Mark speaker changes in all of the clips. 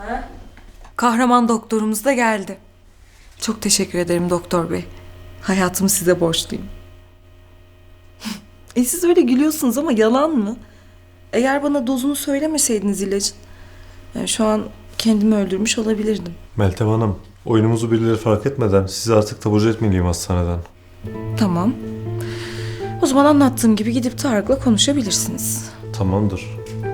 Speaker 1: Kahraman doktorumuz da geldi. Çok teşekkür ederim doktor bey. Hayatımı size borçluyum. Siz öyle gülüyorsunuz ama yalan mı? Eğer bana dozunu söylemeseydiniz ilacın, yani şu an kendimi öldürmüş olabilirdim.
Speaker 2: Meltem Hanım, oyunumuzu birileri fark etmeden sizi artık taburcu etmeliyim hastaneden.
Speaker 1: Tamam. O zaman anlattığım gibi gidip Tarık'la konuşabilirsiniz.
Speaker 2: Tamamdır.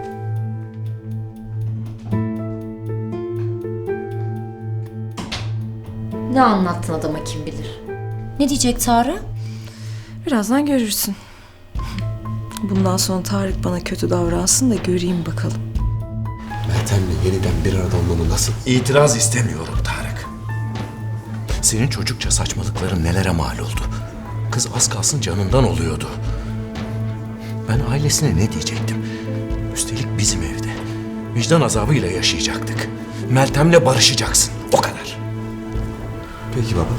Speaker 3: Ne anlattın adama kim bilir? Ne diyecek Tarık?
Speaker 1: Birazdan görürsün. Bundan sonra Tarık bana kötü davransın da göreyim bakalım.
Speaker 4: Meltem'le yeniden bir arada olmanı nasıl?
Speaker 5: İtiraz istemiyorum Tarık. Senin çocukça saçmalıkların nelere mal oldu. Kız az kalsın canından oluyordu. Ben ailesine ne diyecektim? Üstelik bizim evde. Vicdan azabıyla yaşayacaktık. Meltem'le barışacaksın. O kadar.
Speaker 4: Peki baba.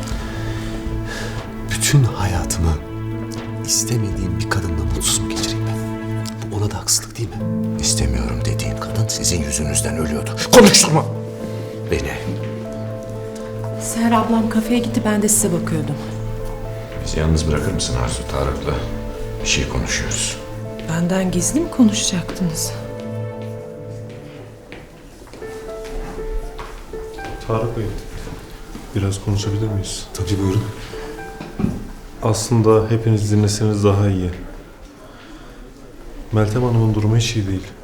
Speaker 4: Bütün hayatımı istemediğim bir kadınla mutsuz mu geçireyim ben? Bu ona da haksızlık değil mi?
Speaker 5: İstemiyorum dediğin kadın sizin yüzünüzden ölüyordu. Konuşturma beni.
Speaker 6: Seher ablam kafeye gitti, ben de size bakıyordum.
Speaker 5: Bizi yalnız bırakır mısın Arzu? Tarık'la bir şey konuşuyoruz.
Speaker 6: Benden gizli mi konuşacaktınız?
Speaker 2: Tarık Bey, biraz konuşabilir miyiz?
Speaker 4: Tabii buyurun.
Speaker 2: Aslında hepiniz dinleseniz daha iyi. Meltem Hanım'ın durumu hiç iyi değil.